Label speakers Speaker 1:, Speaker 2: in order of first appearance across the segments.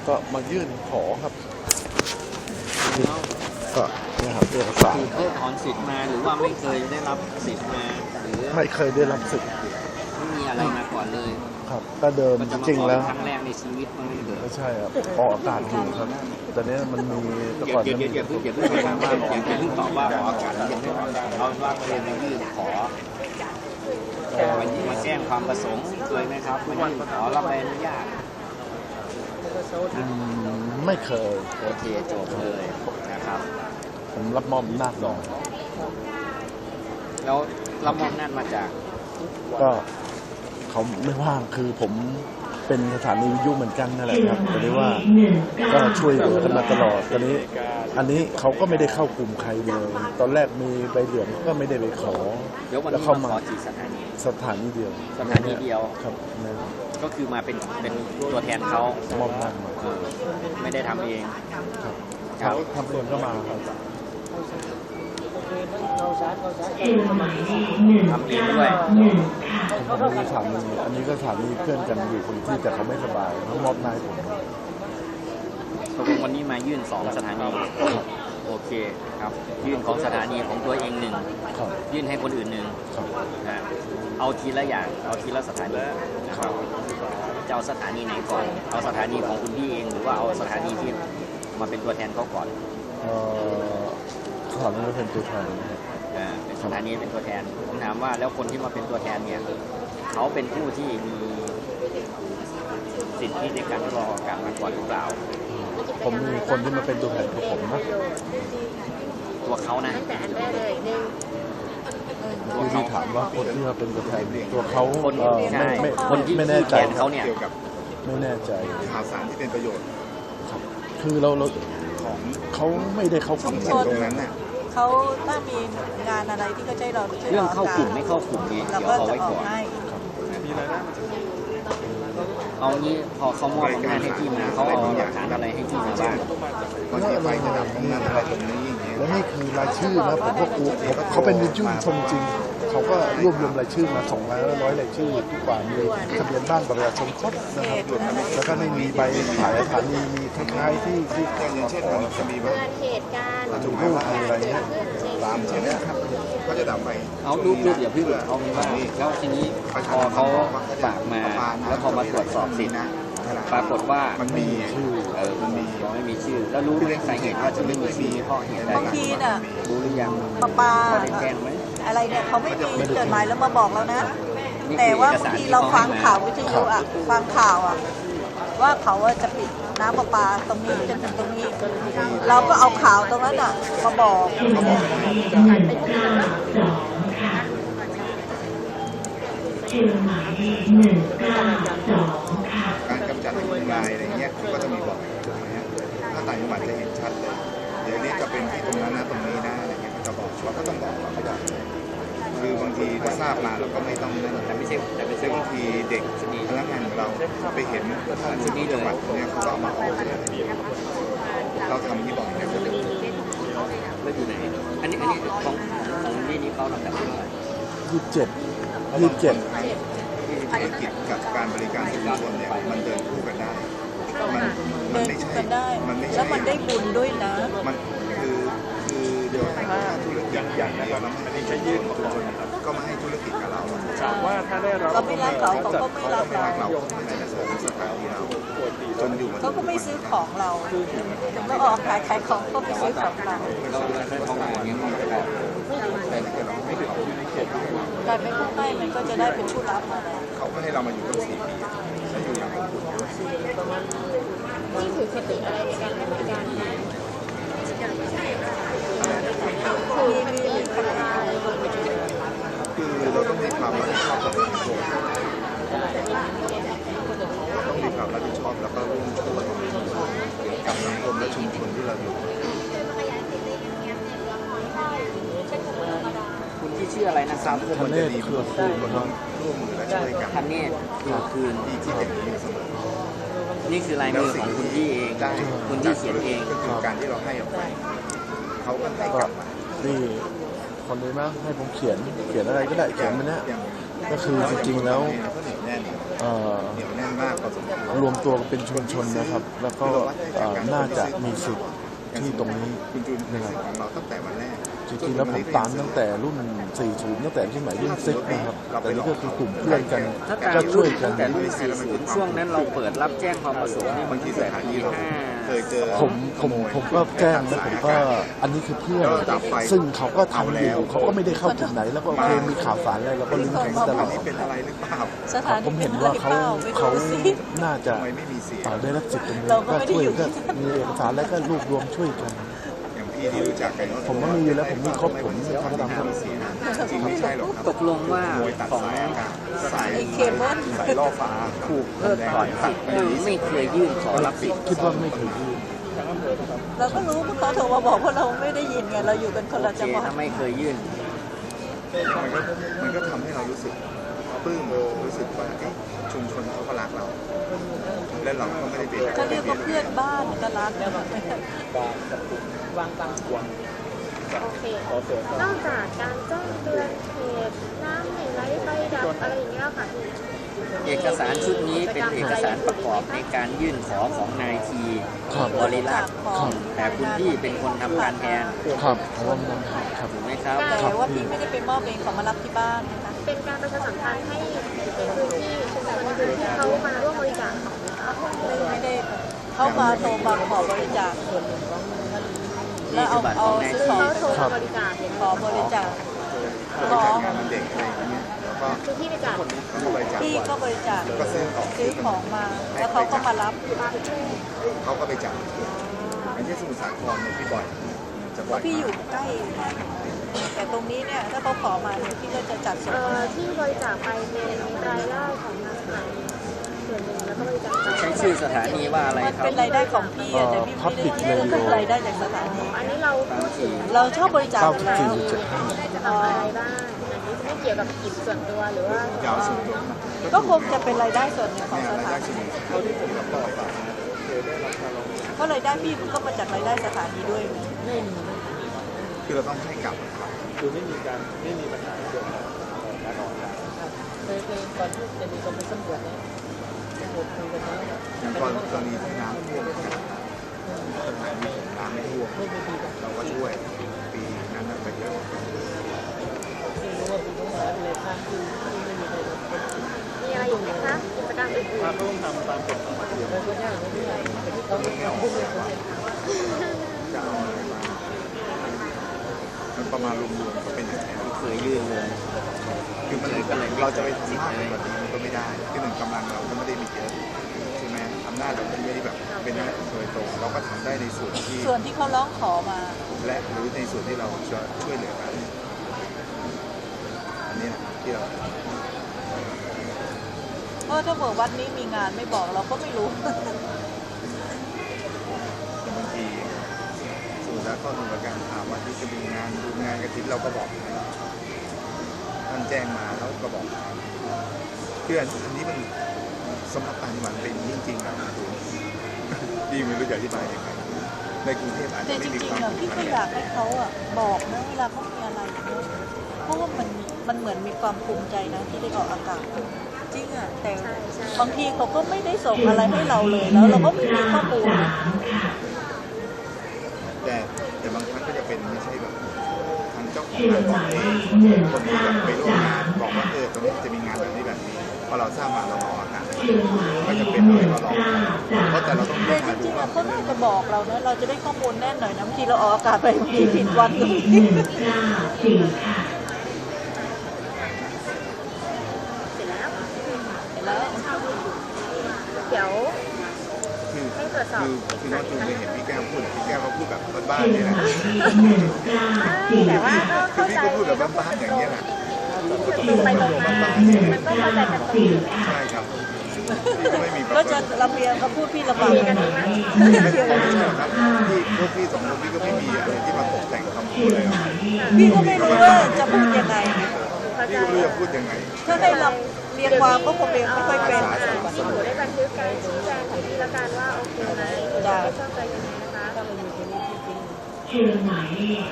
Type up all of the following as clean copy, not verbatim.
Speaker 1: ก็มายื่นขอครับก็เนี่ยครับเอกสาร
Speaker 2: คือเพิกถอนสิทธิ์มาหรือว่าไม่เคยได้รับสิทธิ์มาหรือ
Speaker 1: ไม่เคยได้รับสิทธิ์
Speaker 2: ไม่มีอะไรมาก่อนเลย
Speaker 1: ครับก็เดิมจริงๆแล้ว
Speaker 2: ครั้งแรกในชีวิตมันไม่เกิด
Speaker 1: ไม่ใช่ครับออกอากาศอยู่ครับแต่เนี้ยมันมีแต่ก่อน
Speaker 2: อย่าเพิ่งไปถามว่าอย่าเพิ่งตอบว่าออกอากาศยังไม่ออกอากาศเอาว่าประเด็นยื่นขอมาแจ้งความประสงค์เคยไหมครับมายื่นขอรับใบอนุญาต
Speaker 1: ไม่เคย
Speaker 2: โอเคจบเลยนะครับ
Speaker 1: ผมรับมอบอำนาจรอง
Speaker 2: แล้วรับมอบอำนาจมาจาก
Speaker 1: ก็เขาไม่ว่างคือผมเป็นสถานีวิทยุเหมือนกันนั่นแหละครับแต่ได้ว่าก็ช่วยเหลือกันมาตลอดตอนนี้อันนี้เขาก็ไม่ได้เข้ากลุ่มใครเลยตอนแรกมีใบเหลืองก็ไม่ได้ไปขอ
Speaker 2: แล้วเข้ามา
Speaker 1: สถานีเดียวครับ
Speaker 2: ก็คือมาเป็นตัวแทนเขา
Speaker 1: มอบหน้ามา
Speaker 2: ไม่ได้ทำเอง
Speaker 1: ครับทำเองก็มาครับ
Speaker 2: ทำเองด้วย
Speaker 1: ผมมีสามีอันนี้ก็สามีเพื่อนกันอยู่คนที่แต่เขาไม่สบายเขามอบนายผม
Speaker 2: ตกลงวันนี้มายื่น2สถานีโอเคครับยื่นของสถานีของตัวเอง1ยื่นให้คนอื่น1นะเอาทีละอย่างเอาทีละสถานีนะครับจะเอาสถานีไหนก่อนเอาสถานีของคุณพี่เองหรือว่าเอาสถานีที่มาเป็นตัวแทนเขาก่อน
Speaker 1: สถานีเป็นตัวแทน
Speaker 2: เป็นสถานีเป็นตัวแทนผมถามว่าแล้วคนที่มาเป็นตัวแทนเนี่ยเขาเป็นผู้ที่มีสิทธิในการรอการมาก่อนหรือเปล่า
Speaker 1: ผมมีคนที่มาเป็นตัวแทนของผมนะ
Speaker 2: ตัวเขานะ
Speaker 1: ที่ถามว่าคนที่มาเป็นตัวแทนตัวเขา
Speaker 2: คนที่
Speaker 1: ไม่แน่ใจ
Speaker 2: เขาเนี่ย
Speaker 1: ไม่แน่ใจ
Speaker 3: ข่าวสารที่เป็นประโยชน์
Speaker 1: คือเราของเขาไม่ได้เข้ากลุ่ม
Speaker 3: ตรงนั้นน่ะ
Speaker 4: เขาถ้ามีงานอะไรที่เขาใช้เรา
Speaker 2: เรื่องเข้ากลุ่มไม่เข้ากลุ่มนี่เดี๋ยวเอาไว้ก่อนเอางี้พอเขามอบอำนาจให้พี่มาเขาเอาหลักฐานอะไรให้พี่มาบ้าง
Speaker 3: บางทีไฟจะดับตรงนั้นอะไรตรงนี้อย่างเงี้ย
Speaker 1: แล้วนี่คือรายชื่อนะผมก็กลัวเขาเป็นวิทยุชนจริงเขาก็รวบรวมรายชื่อมา200รายชื่อทุกกว่ามีทะเบียนบ้านประชาชนครบนะครับแล้วก็ไม่มีใบขายสถานีมีคล้ายๆที่
Speaker 3: อย่างเช่นมันจะมีว่า
Speaker 4: เหตุการณ์
Speaker 1: ถูกรูปอะไรเงี้ย
Speaker 3: ตามเช่นนี้ครับก็จะดับไฟ
Speaker 2: เอารูปอย่าพึ่งเอามาแล้วทีนี้พอเขาฝากมาแล้วพอมาตรวจสอบสิทธิ์ปรากฏว่า
Speaker 3: มันมี
Speaker 1: ชื่อ
Speaker 2: มันมีไม่มีชื่อแล้วรู้เรื่องสาเหตุว่าจะไม่มีชื่อเพราะเหตุใด
Speaker 4: บางทีน่ะ
Speaker 2: รู้หรือยัง
Speaker 4: ปา
Speaker 2: แจ้งไหม
Speaker 4: อะไรเนี่ยเขาไม่มีจดหมายแล้วมาบอกเรานะแต่ว่าบางทีเราฟังข่าววิทยุอ่ะฟังข่าวอ่ะว่าเขาจะปิดน้ำประปาตรงนี้จนถึงตรงนี้เราก็เอาข่าวตรงนั้นอ่ะมาบอก
Speaker 3: การกำจัดยุงลายอะไรเงี้ยก็จะมีบอกถ้าต่างจังหวัดจะเห็นชัดเลยเดี๋ยวนี้จะเป็นที่ตรงนั้นนะตรงนี้นะอะไรเงี้ยจะบอกเราก็ต้องบอกเราไม่ได้คือบางทีถ้าทราบมาเราก็ไม่ต้องนั่นแต่ไม่ใช่บางทีเด็กพนักงานของเราไปเห็นที่จังหวัดเนี่ยเขาก็เอามาออกเราทำที่บอกเนี่ยก็จะ
Speaker 2: ไม่อยู่ไหนอันนี้ของนี่เขาลำดับที่เท่าไหร่
Speaker 1: 27
Speaker 3: ธุรกิจกับการบริการประชาชนเนี่ยมันเดินคู่กันได้มันไม่ใช่
Speaker 4: แล้วมันได้บุญด้วยนะ
Speaker 3: มันคือเดี๋ยวถ้าธุรกิจอย่างเดียวแล้วไม่ใช่ยื่นของคนก็มาให้ธุรกิจกับเรา
Speaker 4: ถามว่าถ้าได้เราไม่รักเขาก็ไม่รัก
Speaker 3: เราในสถานที่เราจนอยู่
Speaker 4: เขาก็ไม่ซื้อของเราเมื่อออกขายของก็ไม่ซื้อของเราการเป็นผู้ให้มันก็จะได้เป็นผู้รับมา
Speaker 3: เขาก็ให้เรามาอยู่ตั้ง4 ปีแล้วอยู่อย่างอบอุ่น
Speaker 4: นี่คือคติอะไรในการให้บริการ
Speaker 3: คือเราต้องมีความรับผิดชอบต่อสังคมต้องมีความรับผิดชอบแล้วก็ร่วมช่วยกับสังคมและชุมชนที่เราอยู่
Speaker 2: คุณที่ชื่ออะไรนะครับ
Speaker 1: ท่านเนตรคือคู่
Speaker 3: มันต้องร่วมมือและช่วยกัน
Speaker 2: ท่านเนตรคือ
Speaker 3: ที่เป็นนี้เสมอ
Speaker 2: นี่คือลายมือของคุณพี่เองคุณที่เขียนเอง
Speaker 3: ก็คือการที่เราให้ออกไปเขาก็ให้กลับมา
Speaker 1: นี่คนนี้มั้งให้ผมเขียนอะไรก็ได้เขียนมันนะก็คือจริงๆแล้ว
Speaker 3: เหนียวแน่นมากพอสมควร
Speaker 1: รวมตัวเป็นชุมชนนะครับ แล้วก็น่าจะมีสิทธิ์ที่ตรงนี้
Speaker 3: คุณจูนเป็นสิทธิ์ของเราตั้งแต่วันแรก
Speaker 1: จริงๆแล้วผมตามตั้งแต่รุ่น 40 ตั้งแต่สมัยรุ่นซิกนะครับ แต่นี่ก็คือกลุ่มเพื่อนกัน
Speaker 2: ถ้าตาม
Speaker 1: ก็ช่วยกั
Speaker 2: ตั้
Speaker 1: น
Speaker 2: งแต่รุ่น 40 ช่วงนั้นเราเปิดรับแจ้งความประสงค์นี่มันตั้งแต่ปี
Speaker 3: เคยเจอ
Speaker 1: ผมก็แจ้งแล้วผมก็อันนี้คือเพื่อน ซึ่งเขาก็ทำอยู่เขาก็ไม่ได้เข้ากลุ่มไหน แล้วก็โอเคมีข่าวสารอะไรเราก็ลิงก์กันตลอด
Speaker 3: นี่เป็นอะไรหรือเปล่า
Speaker 4: สถานี
Speaker 1: ผม
Speaker 4: เป็
Speaker 1: เห็
Speaker 4: น
Speaker 1: น
Speaker 4: อะไร
Speaker 1: ว่า
Speaker 4: เปล่าไม่
Speaker 1: เขา
Speaker 4: รู้สิ
Speaker 1: น่าจะ
Speaker 3: ทำไมไม่มีเสียง
Speaker 1: ได้รับสิทธิ์ตรงนี้
Speaker 4: เราก็
Speaker 1: ก็
Speaker 4: ไม่ได้
Speaker 1: ช่วย
Speaker 4: อยู่
Speaker 1: ก็มีเอกสารแล้วก็รวบรวมช่วยกัน
Speaker 3: อย่างพี่ที่รู้จักกัน
Speaker 1: ผมก็มีอยู่แล้วผมมีครบผมทำตามครบ
Speaker 3: เสียงจริงไม่ใช่หรอกครับ
Speaker 2: ตกลงว่า
Speaker 3: ขโมยตัด
Speaker 2: ของ
Speaker 3: สายอากาศสาย
Speaker 4: ไอ้เคเบิล
Speaker 3: สายล่อฟ้า
Speaker 2: ถูกเพิกถอนสิทธิ์หรือไม่เคยยื่นขอรับสิทธิ์
Speaker 1: คิดว่าไม่ถึง
Speaker 4: เราก็รู้เพราะเขาโทรมาบอกว่าเราไม่ได้ยินไงเราอยู่กันคน
Speaker 2: โอ
Speaker 4: ละ
Speaker 2: เค
Speaker 4: จังหวัด
Speaker 2: ถ้าไม่เคยยื่น
Speaker 3: มันก็ทำให้เรารู้สึกปลื้มรู้สึกว่าเอ๊ะชุมชนเขาก็รักเรา และเราก็ไม่ได้เป็น
Speaker 4: เขาเรียกว่าเพื่อนบ้านก็รักแล้วแบบ
Speaker 5: โอเค นอกจากการแจ้งเตือนเหตุน้ำไม่ไหลไฟดับอะไรอย่างเงี้ยค่ะพี่
Speaker 2: เอกสารชุดนี้เป็นเอกสารประกอบในการยื่นขอของนายที
Speaker 1: ครับ
Speaker 2: บริรักษ์
Speaker 1: ครับ
Speaker 2: แต่คุณพี่เป็นคนทำการแทน
Speaker 1: ครับเพราะว่ามันครับ
Speaker 2: ถูกไหมครับ
Speaker 4: แต่ว่าพี่ไม่ได้ไปมอบเองเขามารับที่บ้านนะคะ
Speaker 5: เป็นการประชาสัมพันธ์ให้ในพื้นที่ชุมชนในพื้นที่เขามาร่วมบริจาคของนะคะ
Speaker 4: ไม่ได้เข้ามาโทรมาขอบริจาคแล้วเอาซื้อของ
Speaker 5: เขาโทรมาบริจาคเห็น
Speaker 4: ขอบริจาคขอ
Speaker 3: งานวันเด็กอะไรอย่างเงี้ยแล้วก็
Speaker 5: คือที่บริจาค
Speaker 3: เขาก็บริจาค
Speaker 4: พี่ก็บริจาค
Speaker 3: ก็ซื้อของ
Speaker 4: ซื้อของมา แล้วเขาก็มารับ
Speaker 3: เขาก็ไปจับอันนี้สมุทรสาครเนี่ยพี่บ่อยจะ
Speaker 4: เพ
Speaker 3: บ่อย
Speaker 4: ราะพี่อยู่ใกล้ แต่ตรงนี้เนี่ยถ้าเขาขอมาเนี่ยพี่ก็จะจัดส่ง
Speaker 5: ที่บริจาคไปเป็นรายได้ของทางสถานีส่วนหนึ่งแล้วก็บริจาคไป
Speaker 2: ใช้ชื่อสถานีว่าอะไร
Speaker 4: มัน
Speaker 2: ครับ
Speaker 4: เป็นรายได้ของพี่อะแต่พี่ไม่ได้เรียกว่าเป็นรายได้จากสถานี
Speaker 5: อันนี้เราพูดถึง
Speaker 4: เราชอบบริจาคอยู่แล้ว
Speaker 5: ได้จะทำอะไรบ้างอันนี้ไม่เกี่ยวกับกิจส่วนตัวหรือว่า
Speaker 3: ยาวสุดตัว
Speaker 4: ก็คงจะเป็นรายได้ส่วนหนึ่งของ
Speaker 3: เนี่ย
Speaker 4: ส
Speaker 3: ราย
Speaker 4: ถา
Speaker 3: ได้
Speaker 4: นี
Speaker 3: ส่วนหนึ่งเท่าที่ผมรับต่อไป
Speaker 4: เพราะรายได้พี่มันก็มาจากรายได้สถานีด้วยไง
Speaker 3: คือเราต้องให้กลับครับ
Speaker 6: คือไม่มีปัญหาเกี่ยวกับการออกแบบ
Speaker 7: เคยก่อนที่จะมีคนไปสำรวจเนี่ยสำรวจคุยกันแล้วเนี่ย
Speaker 3: อย่างกรณีที่น้ำท่วมกันสถานีผมน้ำไม่ท่วม
Speaker 7: ไม่มีปีกัน
Speaker 3: เราก็ช่วยปีนั้นไปเยอะ
Speaker 7: ไม่รู้ว่าปีต้องหาอะไรทางคือไม่มีใครรู้
Speaker 5: มีอะไรอยู่ไหมคะกิจกรรมอื่น
Speaker 6: ถ้าเขาต้องทำตามกฎของมันอยู่
Speaker 7: แต่คนยากไม่ได้แต่ที่เขาไม่ทำไม่ได้คนเนี่ย
Speaker 3: จะเอาอะไรมามันประมาณรวมๆก็เป็นอย่างนี้
Speaker 2: เคยยื่นเลย
Speaker 3: คือมันเราจะไปทำมากกว่านี้มันก็ไม่ได้คือหนึ่งกำลังเราก็ไม่ได้มีเยอะใช่ไหมอำนาจเราไม่ได้แบบเป็นหน้าที่โดยตรงเราก็ทำได้ในส่วนที่
Speaker 4: ส่วนที่เขาร้องขอมา
Speaker 3: และหรือในส่วนที่เราจะช่วยเหลือกันอันนี้นะที่เรา
Speaker 4: เพราะถ้าเกิดวัดนี้มีงานไม่บอกเราก็ไม่รู้
Speaker 3: บางทีสู่แล้วก็หน่วยการถามว่าที่จะมีงานดูงานกระถิ่นเราก็บอกให้ท่านแจ้งมาแล้วก็บอกเพื่อนอันนี้มันสำหรับต่างจังหวัดเป็นจริงๆนะดีไม่รู้จะอธิบายยังไงในกรุงเทพอาจ
Speaker 4: แต่
Speaker 3: จะ
Speaker 4: จ
Speaker 3: ไม่มี
Speaker 4: ริง
Speaker 3: ความ
Speaker 4: ๆอะพี่ก็อยากให้เขาอะบอกนะเวลาเขามีอะไรนะเพราะว่ามันเหมือนมีความภูมิใจนะที่ได้ออกอากาศจริงอะแต่บางทีเขาก็ไม่ได้ส่งอะไรให้เราเลยแล้วเราก็ไม่มีข้อมูลนะ
Speaker 3: แต่บางครั้งก็จะเป็นไม่ใช่แบบทางเจ้าของงานบอกเองคนที่แบบไปร่วมงานบอกว่าตรงนี้จะมีงานแบบนี้แบบนี้พอเราทราบมาเราออกอากาศก็จะเป็นอะไรก็ลองเพราะแต่เราต้อง
Speaker 4: แต่จ
Speaker 3: หาดู
Speaker 4: ริงๆ
Speaker 3: ว่า
Speaker 4: อะเขาน่าจะบอกเรานะเราจะได้ข้อมูลแน่นหน่อยนะบางทีเราออกอากาศไปบางทีผิดวันตรงนี้
Speaker 5: ๆเสร็จแล้ว
Speaker 4: เห็นแล้ว
Speaker 5: เดี๋ยว
Speaker 3: คือ
Speaker 5: ให้ตรวจสอบ
Speaker 3: คือน้องจูนเคยเห็นพี่แก้วพูดพี่แก้วเขาพูดแบบบ้านๆนี่แหละ
Speaker 5: แต่ว่าก็
Speaker 3: คือ
Speaker 5: เข้า
Speaker 3: พี่
Speaker 5: ใจ
Speaker 3: ก็พูดแบบบ้านๆอย่างนี้ยแหละ
Speaker 5: ตรงไปตรงมามันก็เข้าใจกันตรงอยู่แล้ว
Speaker 3: ใช่ครับพี่ก็ไม่มี
Speaker 4: ก็จะลำเลียงเขาพูดพี่ลำบาก
Speaker 5: เรียนกันดีมาก
Speaker 3: ไม่ใช่ครับพี่พวกพี่สองคนพี่ก็ไม่มีอะไรที่มาตกแต่งคำพูดเลยครับ
Speaker 4: พี่ก็ไม่รู้ว่าจะพูดยังไง
Speaker 5: เข้าใจ
Speaker 3: พี่ก็ไม่รู้จะพูดยังไง
Speaker 4: ถ้าให้เราเรียงความก็คงเรียงไม่ค่อยเป็น
Speaker 5: ที่หนูได้บันทึกการชี้แจงของพี่ละกันว่าโอเคไหมหรือไม่ชอบใจยังไงนะคะ
Speaker 7: ถ้ามันอยู่ตรงนี้จริง
Speaker 8: เชิญหมายเลข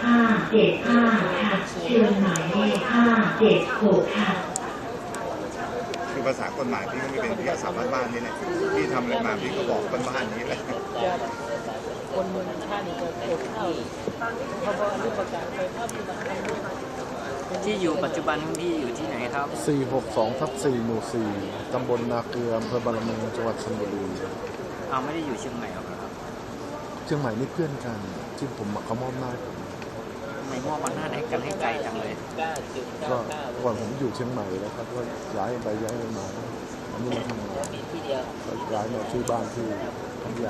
Speaker 8: 575ค่ะเชิญหมายเลข576ค่ะ
Speaker 3: คือบภาษากฎหมายพี่ก็ไม่เป็นพี่อาสาบ้านๆนี่แหละพี่ทำอะไรมาพี่ก็บอกบ้านๆนี้แหละ
Speaker 7: คนเมืองท่านี่ก็เกี่ยวข้าวเขาบอกรูปประกาศไปภาพที่มันทำด้วย
Speaker 2: ที่อยู่ปัจจุบันของพี่อยู่ที่ไหนครับ
Speaker 1: 462/4 หมู่ 4 ตำบลนาเกลืออำเภอบารมีจังหวัดชลบุรี
Speaker 2: เอาไม่ได้อยู่เชียงใหม่หรอกครับ
Speaker 1: เชียงใหม่นี่เพื่อนกันที่ผมเขามอบหน้าผม
Speaker 2: ทำไมมอบอำนาจให้กันให้ไกลจังเลย
Speaker 1: ก็ก่อนผมอยู่เชียงใหม่แล้วครับก็ย้ายไปย้ายมาอันนี้มาทำงาน
Speaker 7: มีที่เดียว
Speaker 1: ก็ย้ายมาที่บ้านที่พัทยา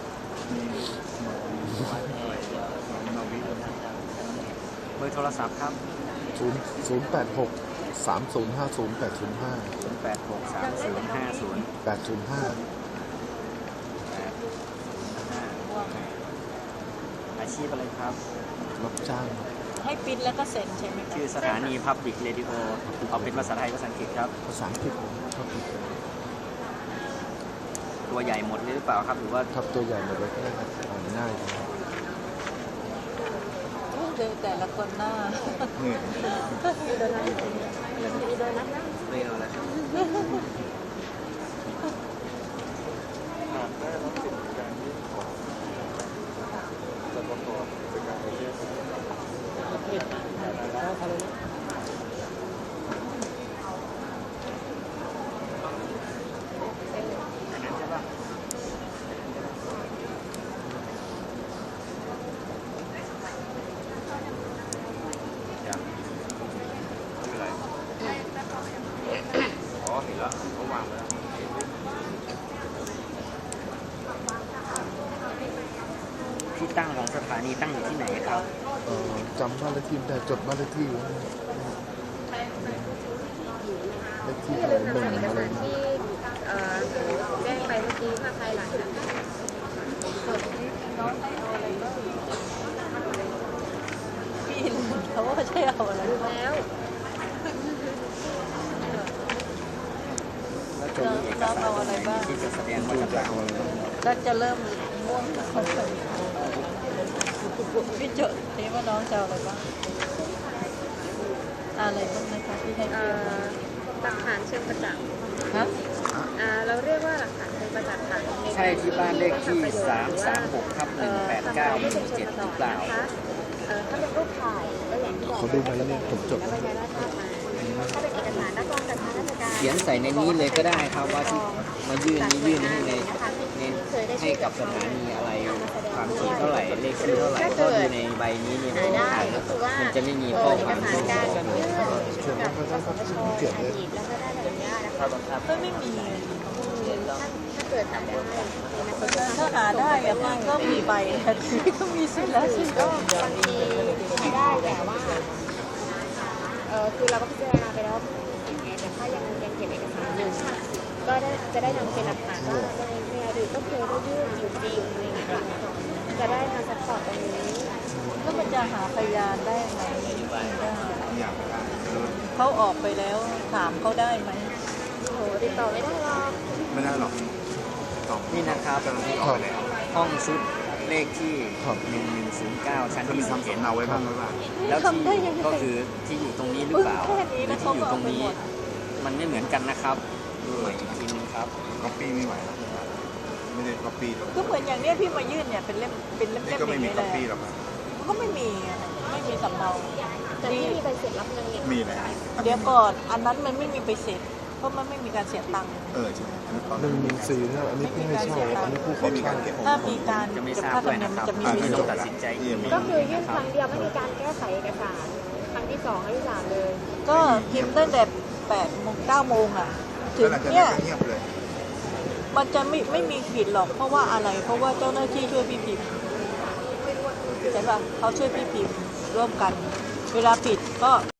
Speaker 2: เบอร์โทรศัพท์ครับ
Speaker 1: 086 3050 805
Speaker 2: อาชีพอะไรครับ
Speaker 1: รับจ้าง
Speaker 4: ให้ปริ้นแล้วก็เซ็นใช่ไหมคะ
Speaker 2: ชื่อสถานี Public Radio เอาเป็นภาษาไทยภาษาอังกฤษครับ
Speaker 1: ภาษาอังกฤษครับ
Speaker 2: ตัวใหญ่หมดเลยหรือเปล่าครับ หรือว่า
Speaker 1: ครับตัวใหญ่หมดเลยก็ได้ครับอ่านง่ายครับ
Speaker 4: เจอแต่ละคนหน้า
Speaker 2: เรียนอะไรครับ
Speaker 6: หากได้รับสิทธิการยื่นขอจะประกอบกิจการประเทศ
Speaker 7: ประเภทเขาทำอะไรนะ
Speaker 2: อันนั้นใช่ปะ
Speaker 6: ยังไม่เป็นไรอ๋อเห็นแล้วเขาวางไว้แล้ว
Speaker 2: ที่ตั้งของสถานีตั้งอยู่ที่ไหนครับ
Speaker 1: จำบ้านเลขที่ได้จดบ้านเลขที่ไว้เลขที่อะไรหนึ่งอะไรนะ
Speaker 5: ที่แจ้งไปเมื่อกี้ค่ะภายหลังจาก
Speaker 4: พี่ลืมเขาว่าใช่เอาอะไร
Speaker 5: แล้ว
Speaker 2: แล้วจะมีเอกสารตรงไหนที่จะแสดงว่าจะเอาอะไร
Speaker 4: ก็จะเริ่มม่วงคนเลยพี่จดนี่ว่าน้องจะเอาอะไรบ้างอะไรบ้างนะคะที่ให้เตรียมมา
Speaker 5: หลักฐานเชิงประจักษ์
Speaker 4: ฮะ
Speaker 5: เราเรียกว่าหลักฐานเชิงประจักษ์ค่ะ
Speaker 2: ใช่ที่บ้านเลขที่ 336/189 หมู่ 7 หรือเปล่า
Speaker 5: ถ้าเป็นรูปถ่ายก็อย่างที่บอก
Speaker 1: เขาดูไหมเนี่ยผมจด
Speaker 5: แล้ว
Speaker 1: ไว้
Speaker 5: ใบราชามาถ้าเป็นเอกสารรับรองจากทางราชการ
Speaker 2: เขียนใส่ในนี้เลยก็ได้ครับว่าที่มายื่นนี้ยื่นให้ในให้กับสถานีอะไรความถี่เท่าไหร่เลขที่เท่าไหร่ก็ดูในใบนี้เนี่ย
Speaker 5: ได้
Speaker 2: มัน
Speaker 5: ก็คือว่า
Speaker 2: จะไม่มีข้อ
Speaker 5: เอก
Speaker 2: ความ
Speaker 5: สาร
Speaker 2: ที่
Speaker 5: การ
Speaker 2: บอก
Speaker 5: ยื่น
Speaker 1: เขียนไว้ก็ได้ครับเขียนเลย
Speaker 5: อีกแล้วก็ได้แบบนี้นะคะ
Speaker 4: ไม่มี
Speaker 5: ถ้าเกิดทำได้
Speaker 4: ถ้าหาได้อะมันก็มีใบทันทีก็มีสิทธิ์แล้วสิ
Speaker 5: ก็บางทีไม่ได้แต่ว่าคือเราก็พิจารณาไปแล้วแต่ถ้ายังเก็บเอกสารอยู่ก็จะได้นำเป็นหลักฐานว่าในอดีตก็เคยได้ยื่นอยู่จริงอะไรอย่างเงี้ยจะได้มาซัพพอร์ตตรงนี้
Speaker 4: แล้วมันจะหาพยานได้ไหมไม่ได้
Speaker 3: อยากได้
Speaker 4: เขาออกไปแล้วถามเขาได้ไหม
Speaker 5: โหติดต่อไม่ได้หรอก
Speaker 3: ไม่ได้หรอกตอบ
Speaker 2: นี่นะครับ
Speaker 3: เจ้าหน้าที่ออกไปแล้ว
Speaker 2: ห้องชุดเลขที่ 1109 ชั้น
Speaker 3: จะมี
Speaker 2: ที่
Speaker 3: ทำสำเนาไว้บ้างหรือเปล่า
Speaker 2: 11แล้วที่ก็คือที่อยู่ตรงนี้หรือเปล่าหรือที่อยู่ตรงนี้ มันไม่เหมือนกันนะครับดูใหม่อีกทีนึงครับ
Speaker 3: ก๊อปปี้ไม่ไหวหรอกไม่ได้ก๊อปปี้หรอก
Speaker 4: ก็เหมือนอย่างเนี้ยพี่มายื่นเนี่ยเป็นเล่มเป็นเล่ม
Speaker 3: นี่
Speaker 4: ๆ
Speaker 3: ก็
Speaker 4: อ
Speaker 3: ไม่
Speaker 4: ย่าง
Speaker 3: มี
Speaker 4: นี้
Speaker 3: ก๊
Speaker 4: เล
Speaker 3: อปปี้
Speaker 4: ย
Speaker 3: หรอกครับ
Speaker 4: ก็ไม่มีสำเนา
Speaker 5: แต่ที่มีใบเสร็จรับเงินเนี่ย
Speaker 3: มีเลย
Speaker 4: เดี๋ยวก่อนอันนั้นมันไม่มีไปเสร็จเพราะมันไม่มีการเสียตังค์
Speaker 3: ใช่อันนี้ตอน
Speaker 1: 114เนี่ยอันนี้ผู้ให้เช่าอันนี้ผู้ขอ
Speaker 3: ไม่มี
Speaker 1: เช่า
Speaker 3: การเก็บ
Speaker 4: ถ้ามีการ
Speaker 2: จะไม่
Speaker 4: เก็บ
Speaker 2: ทราบ
Speaker 4: ค่าธร
Speaker 2: ด้
Speaker 4: ร
Speaker 2: วย
Speaker 4: มเนีย
Speaker 2: นะ
Speaker 4: ม
Speaker 2: ค
Speaker 4: มั
Speaker 2: รั
Speaker 4: น
Speaker 2: บ
Speaker 4: จะมี
Speaker 3: อ่า
Speaker 4: วิ
Speaker 2: ไม่
Speaker 4: น
Speaker 2: ต้องตัดสินใจเอง
Speaker 5: ก็คือยื่นครั้งเดียวไม่มีการแก้ไขเอกสารครั้งที่ 2 ครั้งที่ 3 เลย
Speaker 4: ก็พิมพ์ตั้งแต่8 โมง 9 โมงอ่ะถึ
Speaker 3: แล้ว
Speaker 4: ง
Speaker 3: หลังจาก
Speaker 4: เนี่
Speaker 3: นั้น
Speaker 4: ย
Speaker 3: ก็เงียบเลย
Speaker 4: มันจะไม่มีผิดหรอกเพราะว่าอะไร เพราะว่าเจ้าหน้าที่ช่วยพี่พิมพ์ใช่ป่ะเขาช่วยพี่พิมพ์ร่วมกัน เวลาผิดก็